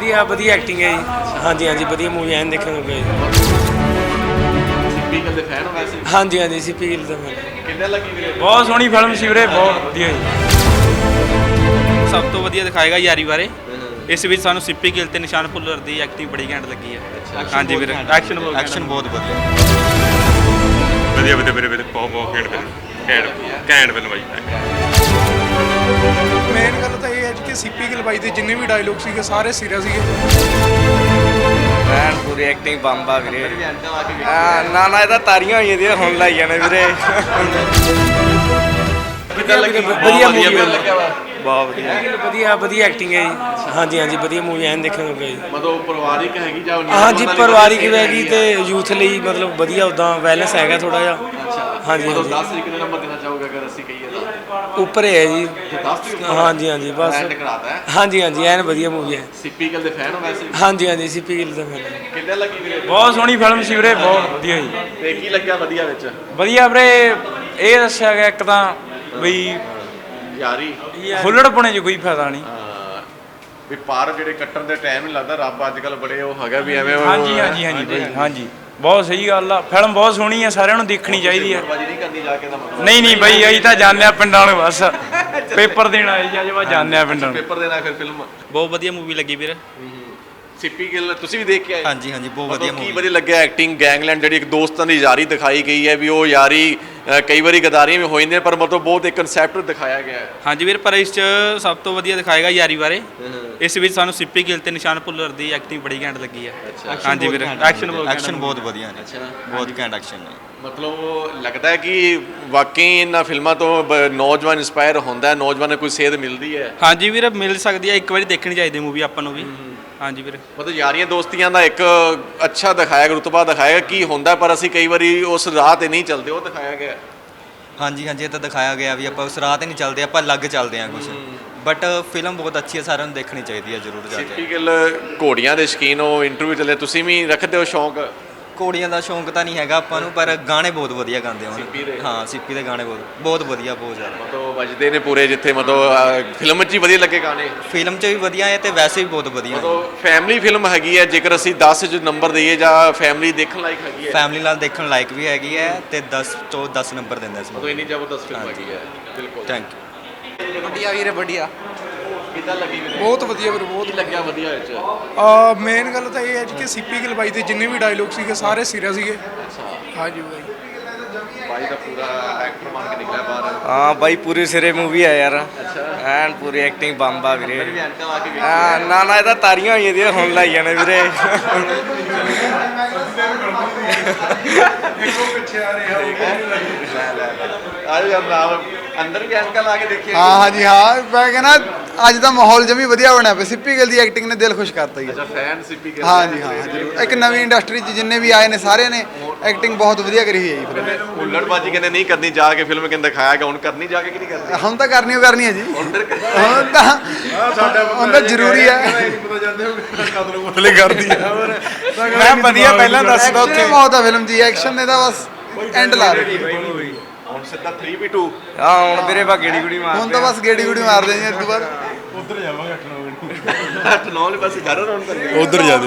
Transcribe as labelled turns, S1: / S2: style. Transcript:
S1: ਵਧੀਆ ਵਧੀਆ ਐਕਟਿੰਗ ਹੈ ਜੀ। ਹਾਂਜੀ ਹਾਂਜੀ ਵਧੀਆ ਮੂਵੀ ਐਨ ਦੇਖਣ ਨੂੰ ਗਏ।
S2: ਸਿੱਪੀ ਗਿੱਲ ਦੇ ਫੈਨ ਹੋ ਵੈਸੇ?
S1: ਹਾਂਜੀ ਹਾਂਜੀ ਸਿੱਪੀ ਗਿੱਲ ਦਾ
S2: ਕਿੰਨੇ ਲੱਗੀ ਵੀਰੇ?
S3: ਬਹੁਤ ਸੋਹਣੀ ਫਿਲਮ ਸੀ ਵੀਰੇ, ਬਹੁਤ ਵਧੀਆ ਜੀ।
S4: ਸਭ ਤੋਂ ਵਧੀਆ ਦਿਖਾਏਗਾ ਯਾਰੀ ਬਾਰੇ। ਇਸ ਵਿੱਚ ਸਾਨੂੰ ਸਿੱਪੀ ਗਿੱਲ ਤੇ ਨਿਸ਼ਾਨ ਭੁੱਲਰ ਦੀ ਐਕਟਿੰਗ ਬੜੀ ਘੈਂਟ ਲੱਗੀ ਹੈ। ਹਾਂਜੀ ਵੀਰੇ ਐਕਸ਼ਨ
S3: ਬਹੁਤ ਵਧੀਆ।
S5: ਵਧੀਆ ਵਧੀਆ ਵੀਰੇ ਬਹੁਤ ਘੈਂਟ ਫਿਲਮ, ਘੈਂਟ ਫਿਲਮ ਆਈ।
S6: ਮੇਨ ਗੱਲ ਤਾਂ ਇਹ ਹੈ ਕਿ ਸਿੱਪੀ ਗਿੱਲ ਬਾਈ ਦੇ ਜਿੰਨੇ ਵੀ ਡਾਇਲੋਗ ਸੀਗੇ ਸਾਰੇ ਸੀਰੀਅਸ ਸੀਗੇ।
S1: ਐਨ ਪੂਰੀ ਐਕਟਿੰਗ ਬੰਬਾ ਵੀਰੇ। ਨਾ ਨਾ ਇਹਦਾ ਤਾਰੀਆਂ ਹੋਈਆਂ ਦੀਆਂ ਹੁਣ ਲਾਈ ਜਾਣੇ ਵੀਰੇ। ਵਧੀਆ ਮੂਵੀ
S2: ਲੱਗਿਆ ਵਾ
S1: ਬਹੁਤ ਵਧੀਆ ਵਧੀਆ ਐਕਟਿੰਗ ਹੈ ਜੀ। ਹਾਂਜੀ ਹਾਂਜੀ ਵਧੀਆ ਮੂਵੀ ਐਨ ਦੇਖਣ ਨੂੰ ਗਏ।
S2: ਮਤਲਬ ਪਰਿਵਾਰਿਕ ਹੈਗੀ ਜਾਂ
S1: ਹਾਂਜੀ ਪਰਿਵਾਰਿਕ ਵੀ ਹੈਗੀ ਤੇ ਯੂਥ ਲਈ ਮਤਲਬ ਵਧੀਆ ਉਦਾਂ ਬੈਲੈਂਸ ਹੈਗਾ ਥੋੜਾ ਜਿਹਾ। ਹਾਂਜੀ
S2: ਮਤਲਬ
S1: ਹਾਂਜੀ
S2: 10 ਤਰੀਕ ਨੂੰ ਨੰਬਰ ਦੇਣਾ ਚਾਹੋਗੇ ਅਗਰ ਅਸੀਂ ਕਹੀਏ ਤਾਂ?
S1: ਉੱਪਰ ਹੈ ਜੀ।
S2: 10 ਤਰੀਕ
S1: ਹਾਂਜੀ ਹਾਂਜੀ ਬਸ
S2: ਐਂਡ ਕਰਾਤਾ ਹੈ।
S1: ਹਾਂਜੀ ਹਾਂਜੀ ਐਨ ਵਧੀਆ ਮੂਵੀ ਹੈ।
S2: ਸਿੱਪੀ ਗਿੱਲ ਦੇ ਫੈਨ ਹੋ ਵੈਸੇ?
S1: ਹਾਂਜੀ ਹਾਂਜੀ ਸਿੱਪੀ ਗਿੱਲ ਦਾ
S2: ਕਿੰਨੇ ਲੱਗੀ ਵੀਰੇ?
S3: ਬਹੁਤ ਸੋਹਣੀ ਫਿਲਮ ਸੀ ਵੀਰੇ, ਬਹੁਤ ਵਧੀਆ ਜੀ।
S2: ਤੇ ਕੀ ਲੱਗਿਆ ਵਧੀਆ ਵਿੱਚ?
S3: ਵਧੀਆ ਵੀਰੇ, ਇਹ ਦੱਸਿਆ ਗਿਆ ਇੱਕ ਤਾਂ ਬਈ
S2: ਯਾਰੀ
S3: ਹੁੱਲੜਪੁਣੇ 'ਚ ਕੋਈ ਫਾਇਦਾ ਨਹੀਂ।
S2: ਵੀ ਪਾਰ ਜਿਹੜੇ ਕੱਟਣ ਦੇ ਟਾਈਮ ਨਹੀਂ ਲੱਗਦਾ, ਰੱਬ ਅੱਜ ਕੱਲ ਬੜੇ ਉਹ ਹੈਗਾ ਵੀ ਐਵੇਂ
S3: ਹਾਂਜੀ ਹਾਂਜੀ ਹਾਂਜੀ ਬਈ ਹਾਂਜੀ ਬਹੁਤ ਸਹੀ ਗੱਲ ਆ। ਫਿਲਮ ਬਹੁਤ ਸੋਹਣੀ ਆ, ਸਾਰਿਆਂ ਨੂੰ ਦੇਖਣੀ ਚਾਹੀਦੀ ਆ।
S2: ਬਾਜੀ ਨਹੀਂ ਕਰਨੀ ਜਾ ਕੇ ਦਾ ਮਤਲਬ?
S3: ਨਹੀਂ ਨਹੀਂ ਬਈ ਅਸੀਂ ਤਾਂ ਜਾਣਦੇ ਆ ਪਿੰਡਾਂ ਨੂੰ, ਬਸ ਪੇਪਰ ਦੇਣ ਆਏ ਜੀ ਅੱਜ ਬਾਅਦ ਜਾਣਦੇ ਆ ਪਿੰਡਾਂ ਨੂੰ।
S2: ਪੇਪਰ ਦੇਣਾ ਫਿਰ ਫਿਲਮ।
S4: ਬਹੁਤ ਵਧੀਆ ਮੂਵੀ ਲੱਗੀ ਵੀਰੇ।
S2: ਸਿੱਪੀ ਗਿੱਲ ਤੁਸੀਂ ਵੀ ਦੇਖ ਕੇ ਆਏ?
S3: ਹਾਂਜੀ ਹਾਂਜੀ ਬਹੁਤ ਵਧੀਆ
S2: ਕੀ ਵਧੀਆ ਲੱਗਿਆ ਐਕਟਿੰਗ? ਗੈਂਗਲੈਂਡ ਜਿਹੜੀ ਇੱਕ ਦੋਸਤਾਂ ਦੀ ਯਾਰੀ ਦਿਖਾਈ ਗਈ ਹੈ ਵੀ ਉਹ ਯਾਰੀ ਕਈ ਵਾਰੀ ਗਦਾਰੀਆਂ ਵੀ ਹੋ ਜਾਂਦੀਆਂ ਪਰ ਮਤਲਬ ਬਹੁਤ ਇੱਕ ਕਨਸੈਪਟ ਦਿਖਾਇਆ ਗਿਆ ਹੈ।
S4: ਹਾਂਜੀ ਵੀਰ, ਪਰ ਇਸ 'ਚ ਸਭ ਤੋਂ ਵਧੀਆ ਦਿਖਾਏਗਾ ਯਾਰੀ ਬਾਰੇ। ਇਸ ਵਿੱਚ ਸਾਨੂੰ ਸਿੱਪੀ ਗਿੱਲ ਤੇ ਨਿਸ਼ਾਨ ਭੁੱਲਰ ਦੀ ਐਕਟਿੰਗ ਬੜੀ ਘੈਂਟ ਲੱਗੀ ਹੈ। ਹਾਂਜੀ ਵੀਰੇ
S3: ਐਕਸ਼ਨ ਬਹੁਤ ਵਧੀਆ ਨੇ।
S2: ਅੱਛਾ
S3: ਬਹੁਤ ਘੈਂਟ ਐਕਸ਼ਨ ਨੇ।
S2: ਮਤਲਬ ਉਹ ਲੱਗਦਾ ਹੈ ਕਿ ਵਾਕਈ ਇਹਨਾਂ ਫਿਲਮਾਂ ਤੋਂ ਨੌਜਵਾਨ ਇੰਸਪਾਇਰ ਹੁੰਦਾ ਹੈ, ਨੌਜਵਾਨ ਨੂੰ ਕੋਈ ਸੇਧ ਮਿਲਦੀ ਹੈ।
S4: ਹਾਂਜੀ ਵੀਰੇ ਮਿਲ ਸਕਦੀ ਹੈ, ਇੱਕ ਵਾਰੀ ਦੇਖਣੀ ਚਾਹੀਦੀ ਮੂਵੀ ਆਪਾਂ ਨੂੰ ਵੀ। ਹਾਂਜੀ ਵੀਰੇ
S2: ਮਤਲਬ ਯਾਰੀਆਂ ਦੋਸਤੀਆਂ ਦਾ ਇੱਕ ਅੱਛਾ ਦਿਖਾਇਆ, ਰੁਤਬਾ ਦਿਖਾਇਆ ਕੀ ਹੁੰਦਾ, ਪਰ ਅਸੀਂ ਕਈ ਵਾਰੀ ਉਸ ਰਾਹ ਤੇ ਨਹੀਂ ਚੱਲਦੇ, ਉਹ ਦਿਖਾਇਆ ਗਿਆ।
S7: ਹਾਂਜੀ ਹਾਂਜੀ ਇਹ ਤਾਂ ਦਿਖਾਇਆ ਗਿਆ ਵੀ ਆਪਾਂ ਉਸ ਰਾਹ ਤੇ ਨਹੀਂ ਚੱਲਦੇ, ਆਪਾਂ ਅਲੱਗ ਚੱਲਦੇ ਹਾਂ ਕੁਝ। ਬਟ ਫਿਲਮ ਬਹੁਤ ਅੱਛੀ ਹੈ, ਸਾਰਿਆਂ ਨੂੰ ਦੇਖਣੀ ਚਾਹੀਦੀ ਹੈ ਜ਼ਰੂਰ ਜਾ
S2: ਸਿੱਪੀ
S7: ਕੇ।
S2: ਗਿੱਲ ਘੋੜੀਆਂ ਦੇ ਸ਼ੌਕੀਨ ਹੋ, ਇੰਟਰਵਿਊ ਚੱਲੇ, ਤੁਸੀਂ ਵੀ ਰੱਖਦੇ ਹੋ ਸ਼ੌਂਕ?
S7: ਘੋੜੀਆਂ ਦਾ ਸ਼ੌਂਕ ਤਾਂ ਨਹੀਂ ਹੈਗਾ ਆਪਾਂ ਨੂੰ, ਪਰ ਗਾਣੇ ਬਹੁਤ ਵਧੀਆ ਗਾਉਂਦੇ
S2: ਸਿੱਪੀ ਦੇ?
S7: ਹੁਣ। ਹਾਂ ਸਿੱਪੀ ਦੇ ਗਾਣੇ ਬਹੁਤ ਵਧੀਆ, ਬਹੁਤ ਜ਼ਿਆਦਾ।
S2: ਮਤਲਬ ਵੱਜਦੇ ਨੇ ਪੂਰੇ, ਜਿੱਥੇ ਮਤਲਬ ਫਿਲਮ 'ਚ ਹੀ ਵਧੀਆ ਲੱਗੇ ਗਾਣੇ।
S7: ਫਿਲਮ 'ਚ ਵੀ ਵਧੀਆ ਹੈ ਤੇ ਵੈਸੇ ਵੀ ਬਹੁਤ ਵਧੀਆ ਹੈ।
S2: ਮਤਲਬ ਫੈਮਿਲੀ ਫਿਲਮ ਹੈਗੀ ਹੈ, ਜੇਕਰ ਅਸੀਂ 10 'ਚ ਨੰਬਰ ਦਈਏ ਜਾਂ ਫੈਮਿਲੀ ਦੇਖਣ ਲਾਇਕ ਹੈਗੀ ਹੈ?
S7: ਫੈਮਿਲੀ ਨਾਲ ਦੇਖਣ ਲਾਇਕ ਵੀ ਹੈਗੀ ਹੈ ਤੇ 10 ਤੋਂ 10 ਨੰਬਰ ਦਿੰਦਾ ਇਸ
S2: ਮਤਲਬ ਇੰਨੀ ਜ਼ਬਰਦਸਤ ਫਿਲਮ ਹੈਗੀ ਹੈ। ਬਿਲਕੁਲ।
S7: Thank you.
S6: ਵਧੀਆ ਵੀਰੇ ਵਧੀਆ।
S2: ਕਿੱਦਾਂ ਲੱਗੀ ਵੀਰੇ?
S6: ਬਹੁਤ ਵਧੀਆ ਵੀਰੇ ਬਹੁਤ।
S2: ਕੀ ਲੱਗਿਆ ਵਧੀਆ ਵਿੱਚ?
S6: ਮੇਨ ਗੱਲ ਤਾਂ ਇਹ ਹੈ ਕਿ ਸਿੱਪੀ ਗਿੱਲ ਬਾਈ ਦੇ ਜਿੰਨੇ ਵੀ ਡਾਇਲੋਗ ਸੀਗੇ ਸਾਰੇ ਸੀਰੀਅਸ ਸੀਗੇ। ਹਾਂਜੀ ਬਾਈ
S2: ਬਾਈ ਦਾ ਪੂਰਾ ਐਕਟਰ ਬਣ ਕੇ ਨਿਕਲਿਆ ਬਾਹਰ।
S1: ਹਾਂ ਬਾਈ ਪੂਰੀ ਸਿਰੇ ਮੂਵੀ ਆ ਯਾਰ। ਐਨ ਪੂਰੀ ਐਕਟਿੰਗ ਬੰਬਾ ਵੀਰੇ।
S2: ਵੀ ਐਨਕਾਂ ਲਾ ਕੇ ਵੇਖੀ।
S1: ਨਾ ਨਾ ਇਹਦਾ ਤਾਰੀਆਂ ਹੋਈਆਂ ਦੀਆਂ ਹੁਣ ਲਾਈ ਜਾਣੇ ਵੀਰੇ।
S2: ਆਜੋ ਯਾਰ ਨਾਲ ਅੰਦਰ ਵੀ ਐਨਕਾਂ ਲਾ ਕੇ ਦੇਖੀ।
S8: ਹਾਂ ਹਾਂਜੀ ਹਾਂ ਮੈਂ ਕਹਿੰਦਾ ਅੱਜ ਦਾ ਮਾਹੌਲ ਜਮੀ ਵਧੀਆ ਬਣਿਆ ਪਿਆ। ਸਿੱਪੀ ਗਿੱਲ ਦੀ ਐਕਟਿੰਗ ਨੇ ਦਿਲ ਖੁਸ਼ ਕਰਤਾ ਹੀ।
S2: ਅੱਛਾ ਫੈਨ ਸਿੱਪੀ ਗਿੱਲ?
S8: ਹਾਂਜੀ ਹਾਂ ਜ਼ਰੂਰ। ਇੱਕ ਨਵੀਂ ਇੰਡਸਟਰੀ 'ਚ ਜਿੰਨੇ ਵੀ ਆਏ ਨੇ ਸਾਰਿਆਂ ਨੇ ਐਕਟਿੰਗ ਬਹੁਤ ਵਧੀਆ ਕਰੀ ਹੋਈ ਹੈ ਜੀ।
S2: ਹੁੱਲੜਬਾਜੀ ਕਹਿੰਦੇ ਨਹੀਂ ਕਰਨੀ ਜਾ ਕੇ, ਫਿਲਮ ਕਹਿੰਦੇ ਦਿਖਾਇਆ ਗਿਆ, ਹੁਣ ਕਰਨੀ ਜਾ ਕੇ ਕਿ ਨਹੀਂ ਕਰਨੀ?
S8: ਹੁਣ ਤਾਂ ਕਰਨੀ ਓ ਕਰਨੀ ਹੈ ਜੀ। ਹੁਣ ਤਾਂ ਜ਼ਰੂਰੀ ਹੈ।
S3: ਮੈਂ ਵਧੀਆ ਪਹਿਲਾਂ ਦੱਸਦਾ
S8: ਉੱਥੇ ਬਹੁਤ ਆ ਫਿਲਮ ਜੀ, ਐਕਸ਼ਨ ਨੇ ਤਾਂ ਬਸ ਐਂਡ ਲਾ ਦਿੱਤੀ।
S2: ਹੁਣ ਸਿੱਧਾ 3v2।
S1: ਹਾਂ ਹੁਣ ਵੀਰੇ ਬਾ ਗੇੜੀ ਗੁੜੀ ਮਾਰ
S8: ਹੁਣ ਤਾਂ ਬਸ ਗੇੜੀ ਗੁੜੀ ਮਾਰਦੇ ਜੀ ਇਸ ਤੋਂ ਬਾਅਦ।
S2: ਅੱਠ ਨੌ ਨੇ ਬਸ ਘਰ ਰੌਣ ਕਰਨੀ।
S5: ਉਧਰ ਜਾ